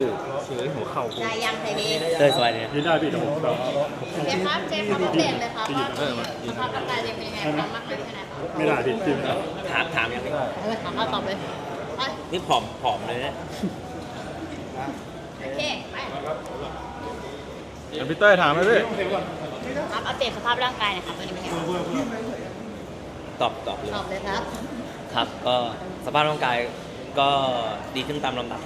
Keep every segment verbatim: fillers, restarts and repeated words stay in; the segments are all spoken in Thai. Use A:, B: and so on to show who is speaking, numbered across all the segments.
A: เฉยหัวเข่ากู
B: ได้ยังไทยดี
C: เต้ยสบายดี
A: ยืนได้พี่เดี๋ยวผมแบบ
B: เจครับเจครับอัปเดตเลยครับว่าสภาพร่างกายเป็นยังไงความมากน้อยแค่ไหนครับ
A: ไม่ได้พี่จิ้มนะ
C: ถามถามยังไง
B: ถามมาตอบเลยไป
C: นี่ผอมผอมเลยนะ
B: โอเคไป
A: เดี๋ยวพี่เต้ยถามไหมพี่
B: ครับอัปเดตสภาพร่างกายหนะครับตอนนี้เป็นยังไง
C: ตอบตอบเลย
B: ตอบเลยครับ
C: ครับก็สภาพร่างกายก็ดีขึ้นตามลำดับ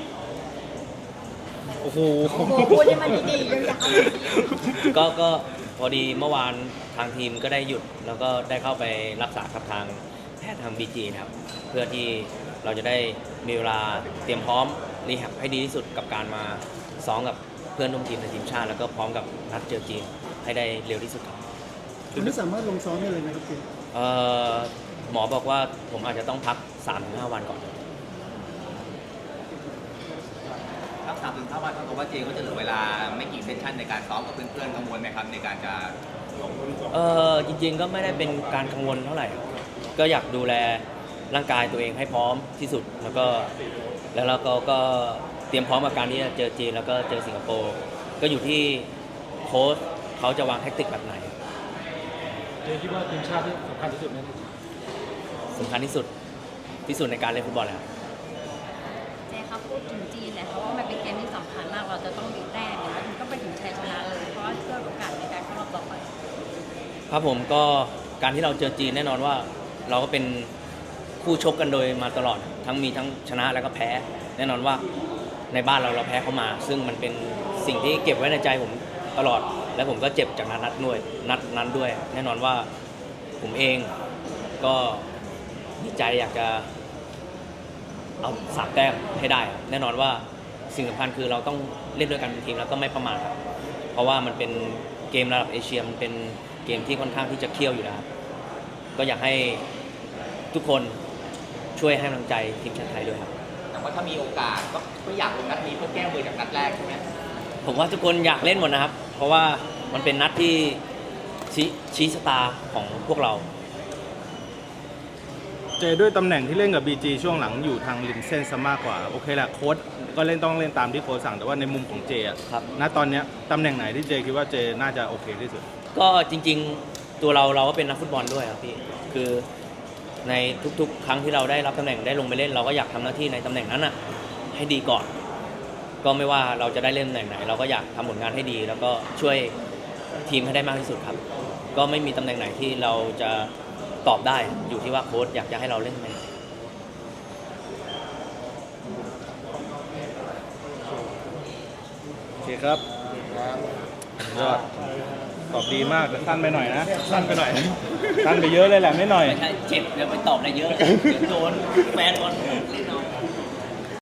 A: โอ้โห
B: โอ้โหพูดให้มันดีๆยาวๆ
C: ก็ก็พอดีเมื่อวานทางทีมก็ได้หยุด แล้วก็ได้เข้าไปรักษากับทางแพทย์ทางบีจีนะครับเพื่อที่เราจะได้มีเวลาเตรียมพร้อมรีแฮบให้ดีที่สุดกับการมาซ้อมกับเพื่อนร่วมทีมในทีมชาติ แล้วก็พร้อมกับนัดเจอจีนให้ได้เร็วที่สุดครับ
D: คุณไม่สามารถลงซ้อมได้เลยไหมครับเจ
C: เอ่อหมอบอกว่าผมอาจจะต้องพัก สามถึงห้า วันก่อน
E: ครับสามถึงห้าวันเท่ากับว่าเจก็จะเหลือเวลาไม่กี่เซสชั่นในการซ้อมกับเพื่อนๆกังวลไหมครับในการจะลง
C: เออจริงๆก็ไม่ได้เป็นการกังวลเท่าไหร่ ก็อยากดูแลร่างกายตัวเองให้พร้อมที่สุด แล้วก็แล้วเราก็ก็เตรียมพร้อมกับการที่จะเจอจีนแล้วก็เจอสิงคโปร์ก็อยู่ที่โค้ชเขาจะวางแทคติกแบบไหน
A: เจคิดว่าทีมชาติที่สำคัญที่สุดไหม
C: สำคัญที่สุดที่สุดในการเล่นฟุตบอลแล้ว
B: เจครับพูดถึงจีนเลยเพราะว่ามันเป็นเกมที่สำคัญมากเราจะต้องมีแต้มอย่างนี้ต้องไปถึงชัยชนะเลยเพราะว่าเพื่อโอกาสในการเข้ารอบต่อไป
C: ครับผมก็การที่เราเจอจีนแน่นอนว่าเราก็เป็นคู่ชกกันโดยมาตลอดทั้งมีทั้งชนะแล้วก็แพ้ แน่นอนว่าในบ้านเราเราแพ้เข้ามา ซึ่งมันเป็นสิ่งที่เก็บไว้ในใจผมตลอด และผมก็เจ็บจากนัดนัดด้วยนัดนั้นด้วย แน่นอนว่าผมเองก็ดีใจอยากจะเอาสามแต้มให้ได้ครับแน่นอนว่าสิ่งสำคัญคือเราต้องเล่นด้วยกันเป็นทีมแล้วก็ไม่ประมาทครับเพราะว่ามันเป็นเกมระดับเอเชียมันเป็นเกมที่ค่อนข้างที่จะเคี่ยวอยู่นะครับก็อยากให้ทุกคนช่วยให้กำลังใจทีมชาติไทยด้วยครับ
E: แต่ว่าถ้ามีโอกาสก็ก็อยากลงนัดนี้เพื่อแก้มือจากนัดแรกใช่ไหม
C: ผมว่าทุกคนอยากเล่นหมดนะครับ เพราะว่ามันเป็นนัดที่ชี้ชี้ชะตาของพวกเรา
A: เจด้วยตำแหน่งที่เล่นกับ บี จี ช่วงหลังอยู่ทางริมเส้นซะมากกว่าโอเคแหละโค้ชก็เล่นต้องเล่นตามที่โค้ชสั่งแต่ว่าในมุมของเจอะ
C: ครับ
A: ณตอนเนี้ยตำแหน่งไหนที่เจคิดว่าเจน่าจะโอเคที่สุด
C: ก็จริงๆตัวเราเราก็เป็นนักฟุตบอลด้วยครับพี่คือในทุกๆ ครั้งที่เราได้รับตำแหน่งได้ลงไปเล่น เราก็อยากทำหน้าที่ในตำแหน่งนั้นอ่ะให้ดีก่อน ก็ไม่ว่าเราจะได้เล่นตำแหน่งไหน เราก็อยากทำผลงานให้ดี แล้วก็ช่วยทีมให้ได้มากที่สุดครับ ก็ไม่มีตำแหน่งไหนที่เราจะตอบได้อยู่ที่ว่าโค้ชอยากจะให้เราเล่นตำแหน่งไหน
A: โอเคครับยอดตอบดีมากแต่สั้นไปหน่อยนะสั้นไปหน่อย สั้นไปเยอะเลยแหละไม่หน่อย
C: ไม่ใช่เจ็บเดี๋ยวไปตอบอะไรเยอะ เดี๋ยวโดนแฟนบอลเล่นเอา